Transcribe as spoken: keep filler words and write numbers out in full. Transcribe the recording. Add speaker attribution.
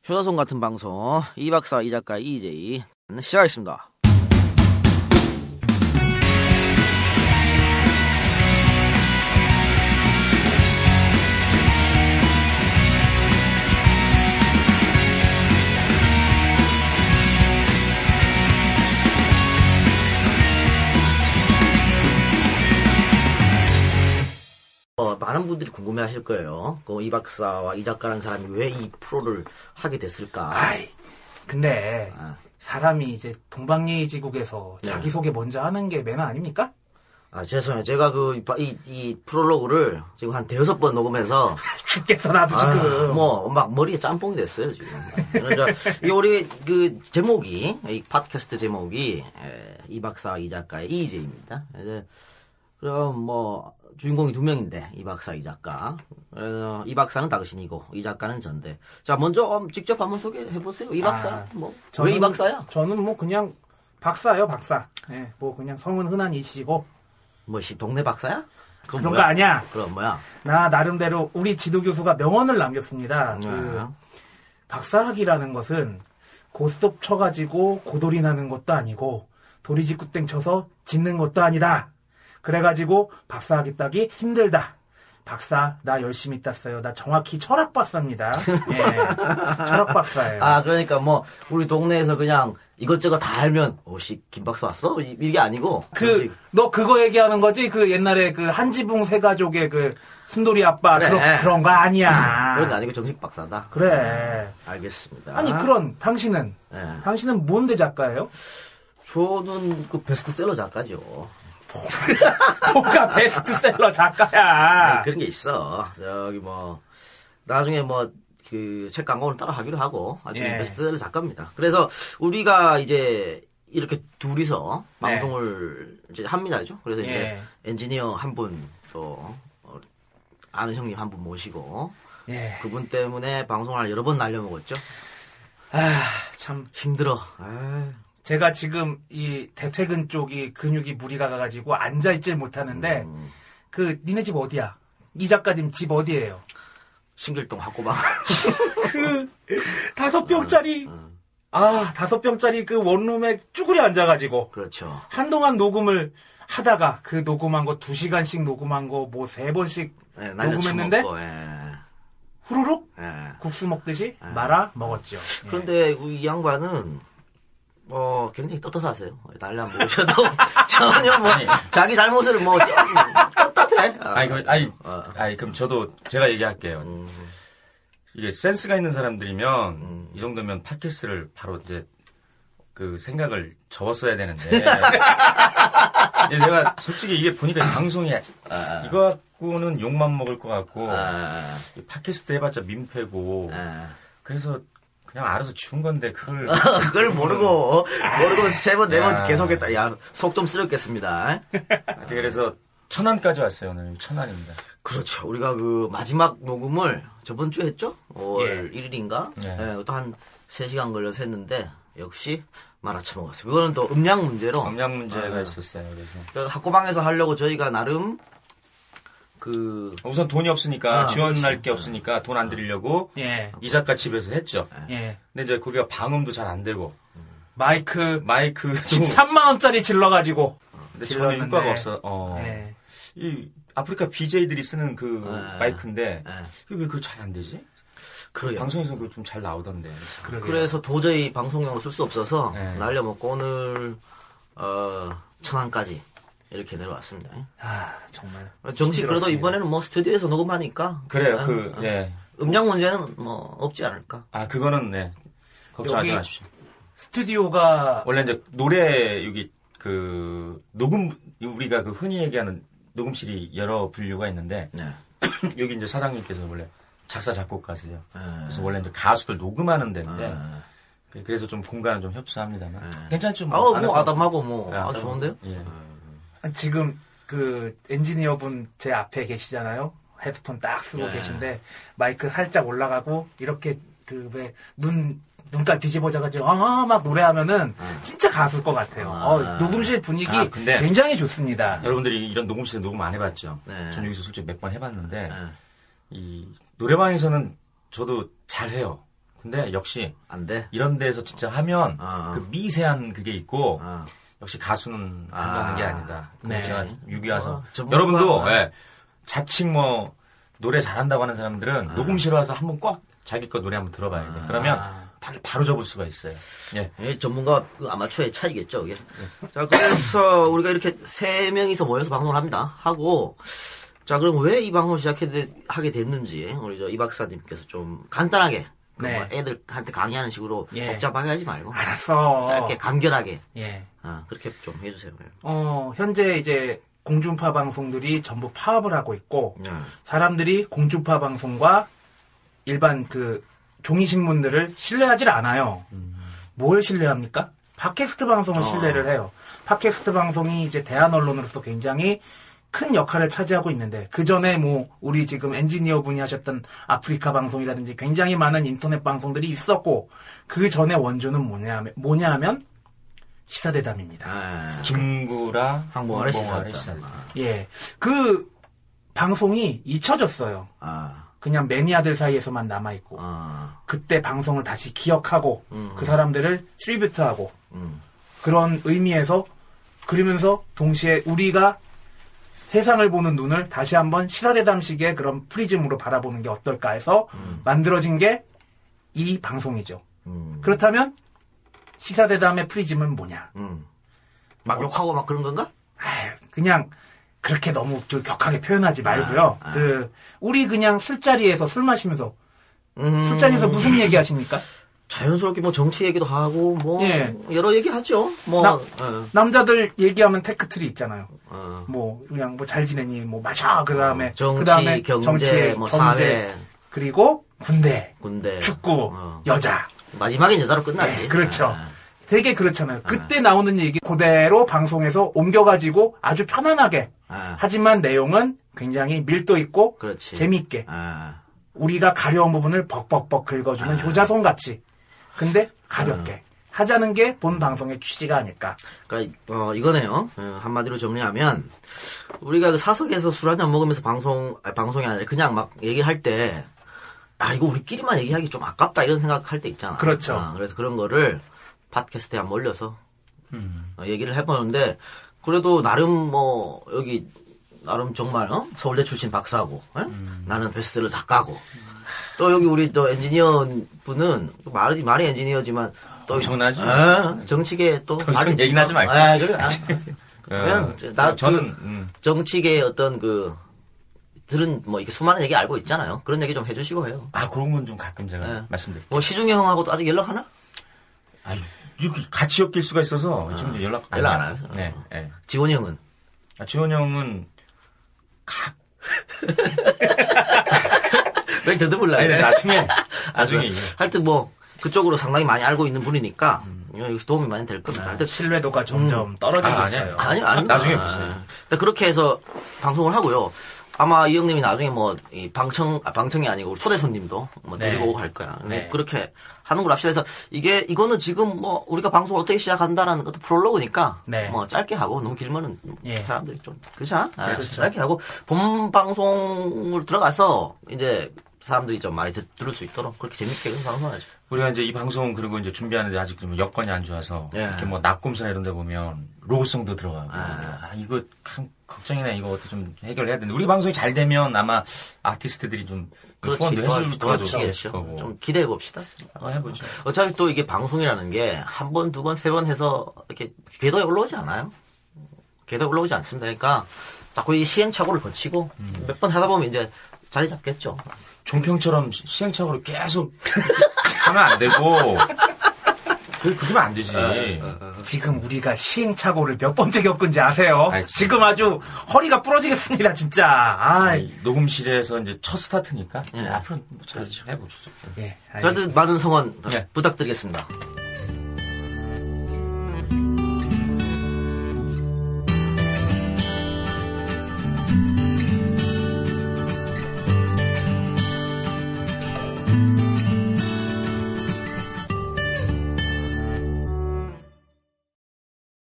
Speaker 1: 효자손 같은 방송 이 박사 이 작가 이제이 시작하겠습니다. 어, 많은 분들이 궁금해하실 거예요. 그 이 박사와 이 작가라는 사람이 왜 이 프로를 하게 됐을까?
Speaker 2: 아이, 근데
Speaker 1: 아.
Speaker 2: 사람이 이제 동방예의지국에서
Speaker 1: 네.
Speaker 2: 자기소개 먼저 하는 게 매너 아닙니까?
Speaker 1: 아, 죄송해요. 제가 그, 이, 이 프롤로그를 지금 한 대여섯 번 녹음해서.
Speaker 2: 죽겠어, 나도 지금.
Speaker 1: 아, 뭐, 막 머리에 짬뽕이 됐어요, 지금. 그러니까, 이 우리 그 제목이, 이 팟캐스트 제목이, 에, 이 박사, 이 작가의 이제이입니다. 이제, 그럼 뭐, 주인공이 두 명인데, 이 박사, 이 작가. 어, 이 박사는 당신이고, 이 작가는 전데. 자, 먼저 음, 직접 한번 소개해보세요. 이 박사.
Speaker 2: 아,
Speaker 1: 뭐,
Speaker 2: 저는-
Speaker 1: 왜 이 박사야?
Speaker 2: 저는 뭐 그냥 박사예요, 박사. 예, 뭐 그냥 성은 흔한 이시고.
Speaker 1: 뭐, 시, 동네 박사야? 그건
Speaker 2: 그런
Speaker 1: 뭐야?
Speaker 2: 거 아니야.
Speaker 1: 그럼 뭐야?
Speaker 2: 나 나름대로 우리 지도교수가 명언을 남겼습니다.
Speaker 1: 네.
Speaker 2: 그 박사학이라는 것은 고스톱 쳐가지고 고돌이 나는 것도 아니고 도리지구땡 쳐서 짓는 것도 아니다. 그래가지고 박사학위 따기 힘들다. 박사 나 열심히 땄어요. 나 정확히 철학 박사입니다. 예, 철학 박사예요.
Speaker 1: 아, 그러니까 뭐, 우리 동네에서 그냥 이것저것 다 알면, 오씨, 김 박사 왔어? 이- 이게 아니고.
Speaker 2: 그 너 그거 얘기하는 거지? 그 옛날에 그 한지붕 세 가족의 그 순돌이 아빠
Speaker 1: 그래.
Speaker 2: 그런 그런 거 아니야.
Speaker 1: 그런 거 아니고 정식 박사다.
Speaker 2: 그래.
Speaker 1: 알겠습니다.
Speaker 2: 아니 그런 당신은
Speaker 1: 네.
Speaker 2: 당신은 뭔데 작가예요?
Speaker 1: 저는 그 베스트셀러 작가죠.
Speaker 2: 뭐가 베스트셀러 작가야.
Speaker 1: 아니, 그런 게 있어. 저기 뭐, 나중에 뭐, 그, 책 광고를 따라 하기로 하고, 아주
Speaker 2: 예.
Speaker 1: 베스트셀러 작가입니다. 그래서 우리가 이제 이렇게 둘이서
Speaker 2: 네.
Speaker 1: 방송을 이제 합니다죠. 그래서 이제
Speaker 2: 예.
Speaker 1: 엔지니어 한 분, 또, 어, 아는 형님 한 분 모시고,
Speaker 2: 예.
Speaker 1: 그분 때문에 방송을 여러 번 날려먹었죠.
Speaker 2: 아, 참
Speaker 1: 힘들어. 아,
Speaker 2: 제가 지금 이 대퇴근 쪽이 근육이 무리가 가가지고 앉아 있질 못하는데
Speaker 1: 음.
Speaker 2: 그 니네 집 어디야? 이 작가님 집 어디예요?
Speaker 1: 신길동 학고방.
Speaker 2: 그 다섯 병짜리
Speaker 1: 음,
Speaker 2: 아 다섯 병짜리 그 원룸에 쭈그려 앉아가지고
Speaker 1: 그렇죠.
Speaker 2: 한동안 녹음을 하다가 그 녹음한 거 두 시간씩 녹음한 거 뭐 세 번씩
Speaker 1: 네, 날려
Speaker 2: 녹음했는데
Speaker 1: 쳐먹고, 예.
Speaker 2: 후루룩
Speaker 1: 예.
Speaker 2: 국수 먹듯이 말아 먹었죠. 예.
Speaker 1: 그런데 이 양반은 어 굉장히 떳떳하세요. 날려 안 보셔도 전혀 뭐 자기 잘못을 뭐 떳떳해.
Speaker 3: 아니, 그, 아니,
Speaker 1: 어.
Speaker 3: 아니, 그럼 저도 제가 얘기할게요.
Speaker 1: 음,
Speaker 3: 이게 센스가 있는 사람들이면
Speaker 1: 음.
Speaker 3: 이 정도면 팟캐스트를 바로 이제 그 생각을 접었어야 되는데. 예, 내가 솔직히 이게 보니까 이 방송이
Speaker 1: 아.
Speaker 3: 이거 갖고는 욕만 먹을 것 같고
Speaker 1: 아,
Speaker 3: 이 팟캐스트 해봤자 민폐고
Speaker 1: 아.
Speaker 3: 그래서 그냥 알아서 지운 건데 그걸
Speaker 1: 그걸 모르고 모르고 세 번 네 번
Speaker 3: 야.
Speaker 1: 계속했다. 야 속 좀 쓰렸겠습니다.
Speaker 3: 그래서 천안까지 왔어요. 오늘 천안입니다.
Speaker 1: 그렇죠. 우리가 그 마지막 녹음을 저번 주에 했죠? 오월
Speaker 2: 예.
Speaker 1: 일 일인가?
Speaker 3: 네.
Speaker 1: 예, 또 한 세 시간 걸려서 했는데 역시 말아쳐 먹었어요. 그거는 또 음량 문제로
Speaker 3: 검량 문제가
Speaker 1: 아.
Speaker 3: 있었어요. 그래서
Speaker 1: 그 학고방에서 하려고 저희가 나름 그
Speaker 3: 우선 돈이 없으니까
Speaker 1: 아,
Speaker 3: 지원할
Speaker 1: 그렇지.
Speaker 3: 게 없으니까 돈 안 드리려고
Speaker 2: 예.
Speaker 3: 이 작가 집에서 했죠.
Speaker 2: 예.
Speaker 3: 근데 이제 거기가 방음도 잘 안 되고
Speaker 2: 마이크
Speaker 3: 마이크도
Speaker 2: 십삼만 원짜리 질러가지고
Speaker 3: 근데 전혀
Speaker 2: 질렀는데.
Speaker 3: 효과가 없어. 어.
Speaker 2: 예.
Speaker 3: 이 아프리카 비제이들이 쓰는 그
Speaker 1: 네.
Speaker 3: 마이크인데
Speaker 1: 예.
Speaker 3: 이게 왜 그거 잘 안 되지?
Speaker 1: 그러게요.
Speaker 3: 방송에서 그거 좀 잘 나오던데.
Speaker 2: 그러게요.
Speaker 1: 그래서 도저히 방송용으로 쓸 수 없어서
Speaker 3: 네.
Speaker 1: 날려먹고 오늘 어, 천안까지 이렇게 내려왔습니다.
Speaker 2: 아 정말
Speaker 1: 정식 그래도
Speaker 2: 힘들었습니다.
Speaker 1: 이번에는 뭐 스튜디오에서 녹음하니까
Speaker 3: 그래요.
Speaker 1: 어,
Speaker 3: 그
Speaker 1: 어.
Speaker 3: 예.
Speaker 1: 음량 문제는 뭐 없지 않을까.
Speaker 3: 아 그거는 네. 걱정하지
Speaker 2: 여기-
Speaker 3: 마십시오.
Speaker 2: 스튜디오가
Speaker 3: 원래 이제 노래 여기 그 녹음 우리가 그 흔히 얘기하는 녹음실이 여러 분류가 있는데
Speaker 1: 네.
Speaker 3: 여기 이제 사장님께서 원래 작사 작곡가세요.
Speaker 1: 네.
Speaker 3: 그래서 원래 이제 가수들 녹음하는 데인데
Speaker 1: 아,
Speaker 3: 그래서 좀 공간은 좀 협소합니다만
Speaker 1: 네.
Speaker 3: 괜찮죠?
Speaker 1: 아우,
Speaker 3: 안
Speaker 1: 뭐
Speaker 3: 해도.
Speaker 1: 아담하고 뭐
Speaker 3: 네,
Speaker 1: 아주
Speaker 3: 아담하고.
Speaker 1: 좋은데요?
Speaker 3: 예.
Speaker 2: 지금 그 엔지니어분 제 앞에 계시잖아요. 헤드폰 딱 쓰고
Speaker 1: 네.
Speaker 2: 계신데 마이크 살짝 올라가고 이렇게 그 왜 눈 눈깔 뒤집어져가지고 아막 노래하면은 진짜 가수일 것 같아요.
Speaker 1: 아.
Speaker 2: 어, 녹음실 분위기
Speaker 3: 아, 근데-
Speaker 2: 굉장히 좋습니다.
Speaker 3: 여러분들이 이런 녹음실에 녹음 안 해봤죠?
Speaker 1: 네.
Speaker 3: 전 여기서 솔직히 몇 번 해봤는데
Speaker 1: 네.
Speaker 3: 이 노래방에서는 저도 잘해요. 근데 역시
Speaker 1: 안 돼.
Speaker 3: 이런 데서 진짜 하면
Speaker 1: 아.
Speaker 3: 그 미세한 그게 있고
Speaker 1: 아.
Speaker 3: 역시 가수는
Speaker 1: 아.
Speaker 3: 한다는 게 아니다.
Speaker 2: 네.
Speaker 3: 제가 여기 와서
Speaker 1: 어, 전문가
Speaker 3: 여러분도
Speaker 1: 뭐.
Speaker 3: 예, 자칭 뭐 노래 잘한다고 하는 사람들은
Speaker 1: 아.
Speaker 3: 녹음실 와서 한번 꼭 자기 거 노래 한번 들어봐야 돼. 그러면
Speaker 2: 아.
Speaker 3: 바로, 바로 접을 수가 있어요. 예.
Speaker 1: 이 전문가 그 아마추어의 차이겠죠, 이게. 자, 그래서 우리가 이렇게 세 명이서 모여서 방송을 합니다. 하고, 자, 그럼 왜 이 방송을 시작하게 됐는지, 우리 저 이 박사님께서 좀 간단하게, 그
Speaker 2: 네.
Speaker 1: 뭐 애들한테 강의하는 식으로
Speaker 2: 예.
Speaker 1: 복잡하게 하지 말고,
Speaker 2: 알았어.
Speaker 1: 짧게, 간결하게,
Speaker 2: 예.
Speaker 1: 아, 그렇게 좀 해주세요.
Speaker 2: 어, 현재 이제 공중파 방송들이 전부 파업을 하고 있고,
Speaker 1: 네.
Speaker 2: 사람들이 공중파 방송과 일반 그 종이신문들을 신뢰하질 않아요. 뭘 신뢰합니까? 팟캐스트 방송을
Speaker 1: 어.
Speaker 2: 신뢰를 해요. 팟캐스트 방송이 이제 대한 언론으로서 굉장히 큰 역할을 차지하고 있는데, 그 전에 뭐, 우리 지금 엔지니어 분이 하셨던 아프리카 방송이라든지 굉장히 많은 인터넷 방송들이 있었고, 그 전에 원조는 뭐냐 하면, 뭐냐 하면, 시사대담입니다.
Speaker 1: 아,
Speaker 3: 김구라
Speaker 1: 항공아래
Speaker 3: 항공아래
Speaker 1: 시사다.
Speaker 2: 예. 그 방송이 잊혀졌어요.
Speaker 1: 아,
Speaker 2: 그냥 매니아들 사이에서만 남아있고,
Speaker 1: 아,
Speaker 2: 그때 방송을 다시 기억하고,
Speaker 1: 음.
Speaker 2: 그 사람들을 트리뷰트하고,
Speaker 1: 음,
Speaker 2: 그런 의미에서, 그러면서 동시에 우리가 세상을 보는 눈을 다시 한번 시사대담식의 그런 프리즘으로 바라보는 게 어떨까 해서
Speaker 1: 음.
Speaker 2: 만들어진 게 이 방송이죠.
Speaker 1: 음,
Speaker 2: 그렇다면 시사대담의 프리즘은 뭐냐?
Speaker 1: 음. 막 욕하고 막 그런 건가?
Speaker 2: 아유, 그냥 그렇게 너무 좀 격하게 표현하지 말고요.
Speaker 1: 아, 아.
Speaker 2: 그 우리 그냥 술자리에서 술 마시면서
Speaker 1: 음,
Speaker 2: 술자리에서 무슨 얘기 하십니까?
Speaker 1: 자연스럽게 뭐 정치 얘기도 하고, 뭐,
Speaker 2: 예.
Speaker 1: 여러 얘기 하죠. 뭐,
Speaker 2: 나-
Speaker 1: 어,
Speaker 2: 남자들 얘기하면 테크트리 있잖아요.
Speaker 1: 어.
Speaker 2: 뭐 그냥 뭐 잘 지내니 뭐 마셔 그다음에
Speaker 1: 정치,
Speaker 2: 그다음에
Speaker 1: 경제,
Speaker 2: 정치,
Speaker 1: 뭐
Speaker 2: 경제,
Speaker 1: 사회,
Speaker 2: 그리고 군대,
Speaker 1: 군대,
Speaker 2: 축구,
Speaker 1: 어.
Speaker 2: 여자.
Speaker 1: 마지막엔 여자로 끝나지.
Speaker 2: 네, 그렇죠.
Speaker 1: 아,
Speaker 2: 되게 그렇잖아요. 그때 나오는 얘기 그대로 방송에서 옮겨가지고 아주 편안하게.
Speaker 1: 아,
Speaker 2: 하지만 내용은 굉장히 밀도 있고
Speaker 1: 그렇지.
Speaker 2: 재밌게
Speaker 1: 아,
Speaker 2: 우리가 가려운 부분을 벅벅벅 긁어주는
Speaker 1: 아.
Speaker 2: 효자손 같이. 근데 가볍게 하자는 게 본 방송의 취지가 아닐까.
Speaker 1: 그러니까 어, 이거네요. 어, 한마디로 정리하면 우리가 그 사석에서 술 한잔 먹으면서 방송 아니, 방송이 아니라 그냥 막 얘기할 때. 아, 이거 우리끼리만 얘기하기 좀 아깝다, 이런 생각할 때 있잖아.
Speaker 2: 그렇죠.
Speaker 1: 어, 그래서 그런 거를 팟캐스트에 한 몰려서
Speaker 3: 음.
Speaker 1: 어, 얘기를 해보는데, 그래도 나름 뭐, 여기, 나름 정말, 어? 서울대 출신 박사고, 어?
Speaker 3: 음.
Speaker 1: 나는 베스트셀러 작가고, 또 여기 우리 또 엔지니어 분은, 말이, 말이 엔지니어지만, 또.
Speaker 3: 엄청나지.
Speaker 1: 어, 정치계 또.
Speaker 3: 더 이상
Speaker 1: 말이-
Speaker 3: 얘기는 하지 말고.
Speaker 1: 아, 그래. 아, 그러면,
Speaker 3: 어,
Speaker 1: 이제 나,
Speaker 3: 저는
Speaker 1: 그
Speaker 3: 음.
Speaker 1: 정치계의 어떤 그, 들은 뭐 이렇게 수많은 얘기 알고 있잖아요. 그런 얘기 좀 해주시고 해요.
Speaker 3: 아 그런 건 좀 가끔 제가
Speaker 1: 네.
Speaker 3: 말씀드릴게요.
Speaker 1: 뭐 시중에 형하고도 아직 연락하나?
Speaker 3: 아 이렇게 같이 엮일 수가 있어서 지금 이제 연락
Speaker 1: 연락 안
Speaker 3: 해요.
Speaker 1: 하세요?
Speaker 3: 네, 네.
Speaker 1: 지원이 형은?
Speaker 3: 아, 지원 형은 각
Speaker 1: 왜 더듬을라
Speaker 3: 아니,
Speaker 1: 그래?
Speaker 3: 나중에 나중에 이게.
Speaker 1: 하여튼 뭐 그쪽으로 상당히 많이 알고 있는 분이니까 여기서 도움이 많이 될 겁니다. 하여튼
Speaker 2: 신뢰도가 점점 떨어지고
Speaker 3: 아, 아니야.
Speaker 2: 있어요.
Speaker 1: 아니 아니
Speaker 3: 나중에
Speaker 1: 아,
Speaker 3: 보세요.
Speaker 1: 아. 그렇게 해서 방송을 하고요. 아마 이 형님이 나중에 뭐 이 방청 아, 방청이 아니고 초대 손님도 뭐
Speaker 2: 네.
Speaker 1: 데리고 오고 할 거야. 근데
Speaker 2: 네.
Speaker 1: 그렇게 하는 걸 합시다. 해서 이게 이거는 지금 뭐 우리가 방송을 어떻게 시작한다라는 것도 프롤로그니까
Speaker 2: 네.
Speaker 1: 뭐 짧게 하고 너무 길면은
Speaker 2: 예.
Speaker 1: 사람들이 좀 그렇잖아. 아,
Speaker 2: 그렇죠.
Speaker 1: 짧게 하고 본 방송을 들어가서 이제 사람들이 좀 많이 듣, 들을 수 있도록 그렇게 재밌게 그런 방송하죠.
Speaker 3: 우리가 이제 이 방송 그리고 이제 준비하는데 아직 좀 여건이 안 좋아서
Speaker 1: 예.
Speaker 3: 이렇게 뭐 낙곰수나 이런 데 보면 로고송도 들어가고
Speaker 1: 아.
Speaker 3: 아, 이거 참 걱정이네. 이거 어떻게 좀 해결해야 되는데 우리 방송이 잘 되면 아마 아티스트들이 좀
Speaker 1: 그렇지.
Speaker 3: 후원도 해줄
Speaker 1: 도와주시겠죠.
Speaker 3: 거고
Speaker 1: 좀 기대해 봅시다.
Speaker 3: 한번 해보죠.
Speaker 1: 어차피 또 이게 방송이라는 게 한 번, 두 번, 세 번 해서 이렇게 궤도에 올라오지 않아요. 궤도에 올라오지 않습니다. 그러니까 자꾸 이 시행착오를 거치고 몇 번 하다 보면 이제 자리 잡겠죠.
Speaker 3: 종평처럼 시- 시행착오를 계속 하면 안 되고 그 그러면 안 되지.
Speaker 2: 지금 우리가 시행착오를 몇 번째 겪은지 아세요?
Speaker 3: 아이,
Speaker 2: 지금 아주 허리가 부러지겠습니다, 진짜. 아,
Speaker 3: 이 녹음실에서 이제 첫 스타트니까
Speaker 1: 예.
Speaker 3: 앞으로 잘 해보시죠.
Speaker 2: 예.
Speaker 1: 그래도 많은 성원
Speaker 3: 네.
Speaker 1: 부탁드리겠습니다.